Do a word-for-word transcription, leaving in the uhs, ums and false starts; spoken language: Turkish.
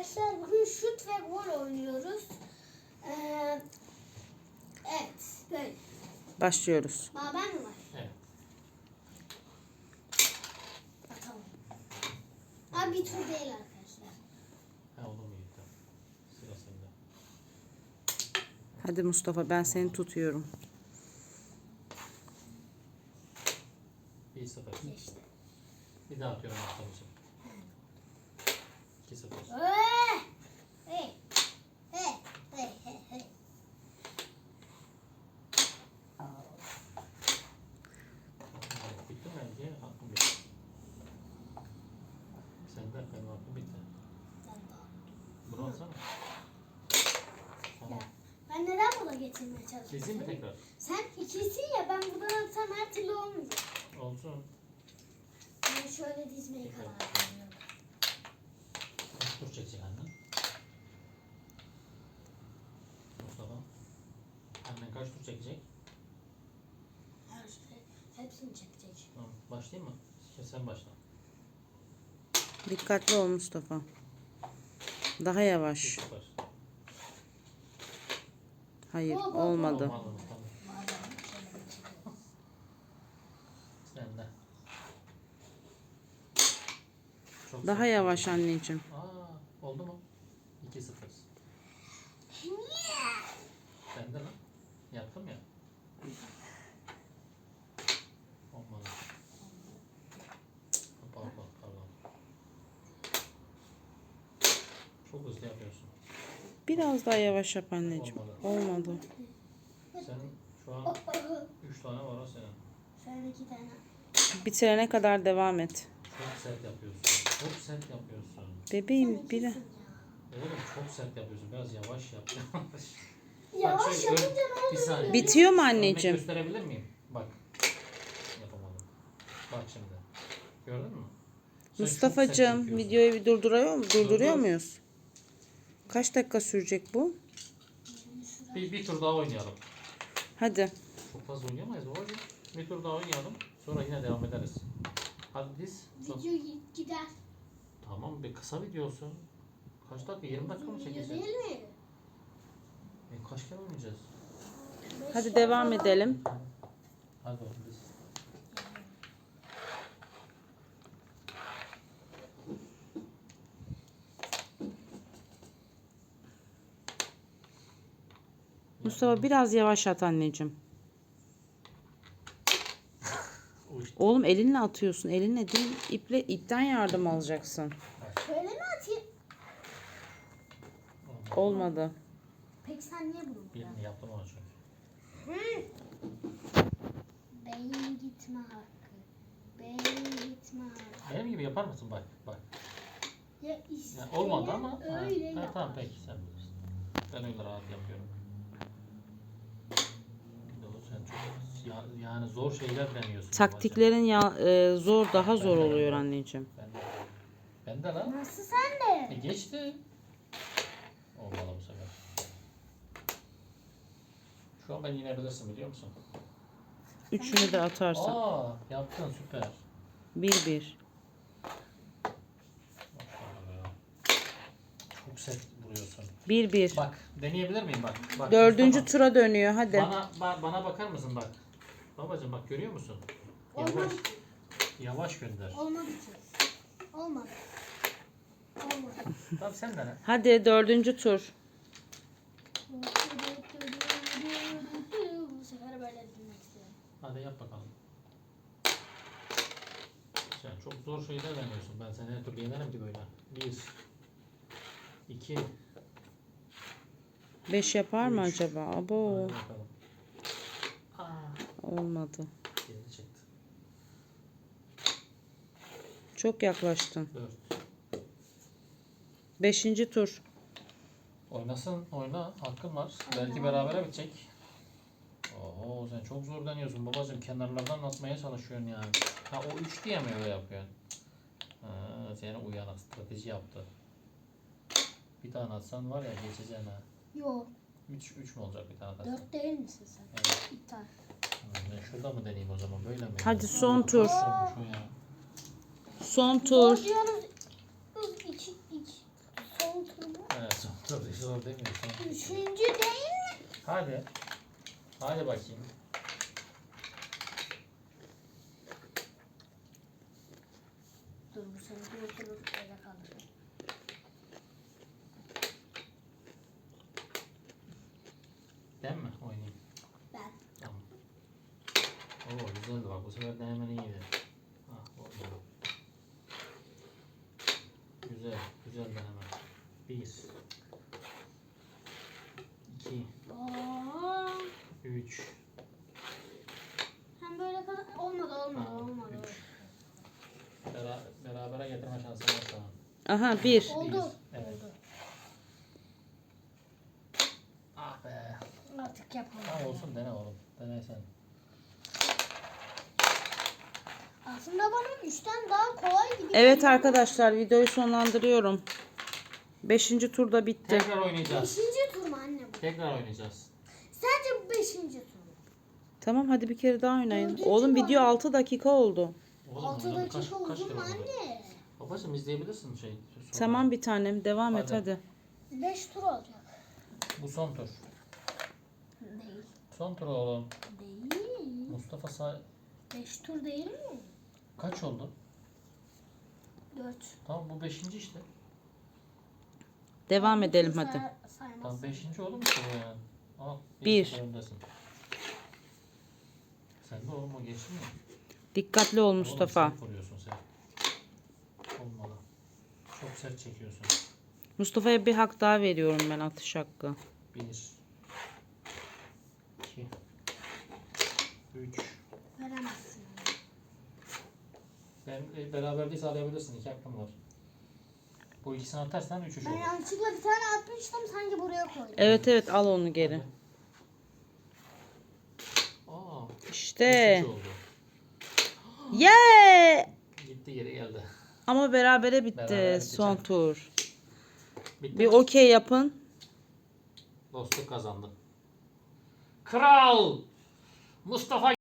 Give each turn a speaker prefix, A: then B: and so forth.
A: arkadaşlar bugün şut ve gol oynuyoruz. Ee, evet böyle.
B: Başlıyoruz.
A: Aa, ben mi var?
C: Evet.
A: Bakalım. Abi bir tur değil arkadaşlar.
C: Ha olur mu iyi? Tamam. Sıra sende.
B: Hadi Mustafa, ben seni tutuyorum.
C: bir sıfır.
A: İşte.
C: Bir daha atıyorum Mustafa'cığım. iki sıfır.
A: Hey! Hey! Hey! Hey! Hey! Hey!
C: Bitti mi bence? Hakkım bitti. Sende benim hakkım bitti. Bunu alsana. Tamam.
A: Ben neden burada getirmeye çalışıyorum?
C: Dizeyim mi tekrar?
A: Sen ikisin ya, ben buradan atsam her türlü olmayacak.
C: Olsun.
A: Ben şöyle dizmeyi karar veriyorum.
C: Kaç tur çekecek annen? Mustafa. Annen kaç tur çekecek?
A: Her şey, hepsini çekecek.
C: Tamam. Başlayayım mı? Ya sen başla.
B: Dikkatli ol Mustafa. Daha
C: bir
B: yavaş.
C: sıfır.
B: Hayır,
A: Bol, bol, bol.
B: olmadı.
C: Tamam, aldım, tamam. Sen de. Çok
B: Daha
C: sert.
B: yavaş anneciğim.
C: Aa, oldu mu? iki sıfır.
A: Niye?
C: Sen de lan. Yaptım ya. Olmadı. Pardon, pardon. Çok hızlı yapıyorsun.
B: Biraz daha yavaş yap anneciğim. Olmadı.
C: Senin şu an üç tane var o senin.
A: Şöyle iki tane.
B: Bitirene kadar devam et.
C: Çok sert yapıyorsun. Çok sert yapıyorsun.
B: Bebeğim bir
C: Oğlum çok sert yapıyorsun. Biraz yavaş yap.
A: Yavaş
C: şöyle
A: yapınca
C: ön-
A: ne oluyor?
C: bir saniye.
B: Bitiyor mu
C: Örnek
B: anneciğim?
C: gösterebilir miyim? Bak. Yapamadım. Bak şimdi. Gördün mü? Sen çok sert
B: Mustafa'cığım,
C: yapıyorsun.
B: videoyu bir durduruyor, mu? durduruyor
C: Durdur.
B: muyuz? Kaç dakika sürecek bu?
C: Bir, bir tur daha oynayalım.
B: Hadi.
C: Çok fazla oynayamayız babacığım. Bir tur daha oynayalım. Sonra yine devam ederiz. Hadi diz.
A: Video gider.
C: Tamam bir kısa video olsun. Kaç dakika? yirmi dakika mı
A: Video
C: çekeceğiz?
A: değil mi?
C: E, kaç kere oynayacağız?
B: Hadi devam edelim.
C: Hadi bakalım diz.
B: Mustafa biraz yavaş at anneciğim.
C: Uy.
B: Oğlum elinle atıyorsun. Elinle değil, iple, ipten yardım alacaksın.
A: Şöyle mi atayım?
B: Olmadı.
A: Peki sen niye bunu?
C: Birini yaptım ona çünkü.
A: Hı. Beyin gitme hakkı. Beyin gitme hakkı.
C: Benim gibi yapar mısın? Bak bak.
A: Ya
C: Yani olmadı ama. Ha,
A: öyle
C: ha,
A: yap.
C: tamam peki sen bilirsin. Ben öyle rahat yapıyorum. Bir de o sen çok ya- yani zor şeyler deniyorsun.
B: Taktiklerin ya, e, zor, daha zor oluyor anneciğim.
C: Ben de. Ben de lan.
A: Nasıl sen
C: E
A: de?
C: geçti. Olmalı bu sefer. Şu an ben yenebilirsin biliyor musun?
B: Üçünü de atarsan.
C: Aa yaptın süper.
B: Bir bir.
C: Maşallah ya. Çok sert vuruyorsun.
B: Bir bir.
C: Bak deneyebilir miyim bak. Bak
B: Dördüncü
C: Mustafa,
B: tura dönüyor. Hadi.
C: Bana ba- bana bakar mısın bak. Babacığım bak görüyor musun? Yavaş.
A: Olmadı.
C: Yavaş gönder.
A: Olmadı ki. Olmadı. Olmadı.
C: Tamam sen dene.
B: Hadi dördüncü tur.
A: Bu sefer böyle dinlemek istiyorum.
C: Hadi yap bakalım. Sen çok zor şeyler deniyorsun. Ben seni her türlü yenerim ki böyle. Bir. İki.
B: Beş yapar mı
C: Üç.
B: acaba? Abo.
C: Hadi bakalım. Aa,
B: Olmadı.
C: geri çıktı.
B: Çok yaklaştın.
C: Dört.
B: Beşinci tur.
C: Oynasın, oyna. Hakkın var. Belki berabere bitecek. Oho sen çok zor deniyorsun babacığım. Kenarlardan atmaya çalışıyorsun yani. Ha o üç diye mi öyle yapıyorsun? Ha, seni uyanık strateji yaptı. Bir tane atsan var ya geçeceksin ha.
A: Yok.
C: Üç, üç mü olacak bir tane atarsan?
A: Dört değil misin sen?
C: Evet.
A: İptal.
C: Ha, ben şurada mı deneyeyim o zaman böyle mi?
B: Hadi son tur.
C: Zormuş o ya.
B: Son
A: Zor
B: tur.
A: diyoruz. İki, iki. Son tur
C: zor değil mi? Son.
A: Üçüncü değil mi?
C: Hadi. Hadi bakayım.
A: Dur bu seninki oturur öyle kalır.
C: Ben mi oynayayım?
A: Ben.
C: Tamam. Oo güzeldi bak, bu sefer de hemen iyiydi. Ah oldu. Güzel, güzel de hemen. Bir, iki,
A: Aa,
C: üç,
A: hem böyle kadar olmadı olmadı
C: Ha,
A: olmadı.
C: üç. Bera berabere getirme şansın var sana.
B: Aha bir.
A: Oldu.
C: Evet.
A: Oldu.
C: Ah be.
A: Artık yapalım.
C: Tamam olsun, dene oğlum. Dene sen.
A: Aslında bana üçten daha kolay gibi.
B: Evet
A: geliyor.
B: arkadaşlar, videoyu sonlandırıyorum. Beşinci turda bitti.
C: Tekrar oynayacağız.
A: Beşinci tur mu anne bu?
C: Tekrar oynayacağız.
A: Sence bu beşinci tur mu?
B: Tamam, hadi bir kere daha oynayın.
A: Dördüncü
B: Oğlum
A: var.
B: video altı dakika oldu.
C: Oğlum,
A: Altı
C: oynadık.
A: dakika
C: Kaç- kaç
A: oldu
C: kere
A: mu
C: oynadık?
A: anne?
C: Babacım izleyebilirsin şey. sonra.
B: Tamam bir tanem, devam et
C: Hadi.
B: hadi.
A: Beş tur olacak.
C: Bu son tur.
A: Değil.
C: Son tur oğlum.
A: Değil.
C: Mustafa say...
A: Beş tur değil mi?
C: Kaç oldu?
A: Dört.
C: Tamam, bu beşinci işte.
B: Devam
A: Bu
B: edelim
A: tur
B: hadi.
A: say- saymazsın.
C: Tamam, beşinci oldu mu işte bu yani? Al.
B: Bir.
C: sıfır öndesin. Sen de oğlum, o geçti mi?
B: Dikkatli ol
C: Oğlum,
B: Mustafa.
C: sert vuruyorsun sen. Olmalı. Çok sert çekiyorsun.
B: Mustafa'ya bir hak daha veriyorum ben, atış hakkı.
C: Bir. İki. Üç.
A: Veremezsin.
C: Ben e, beraberliği sağlayabilirsin. İki hakkım var. Bu ikisini atarsan üç üç
A: Ben
C: olur.
A: yanlışlıkla bir tane atmıştım sanki buraya koydum.
B: Evet evet, al onu geri.
C: Hadi. Aa,
B: İşte.
C: üç üç oldu.
B: Yeah!
C: Gitti, geri geldi.
B: Ama berabere bitti
C: Berabere bitti
B: son
C: canım.
B: tur.
C: Bitti
B: Bir
C: mi?
B: okey yapın.
C: Dostluk kazandı. Kral Mustafa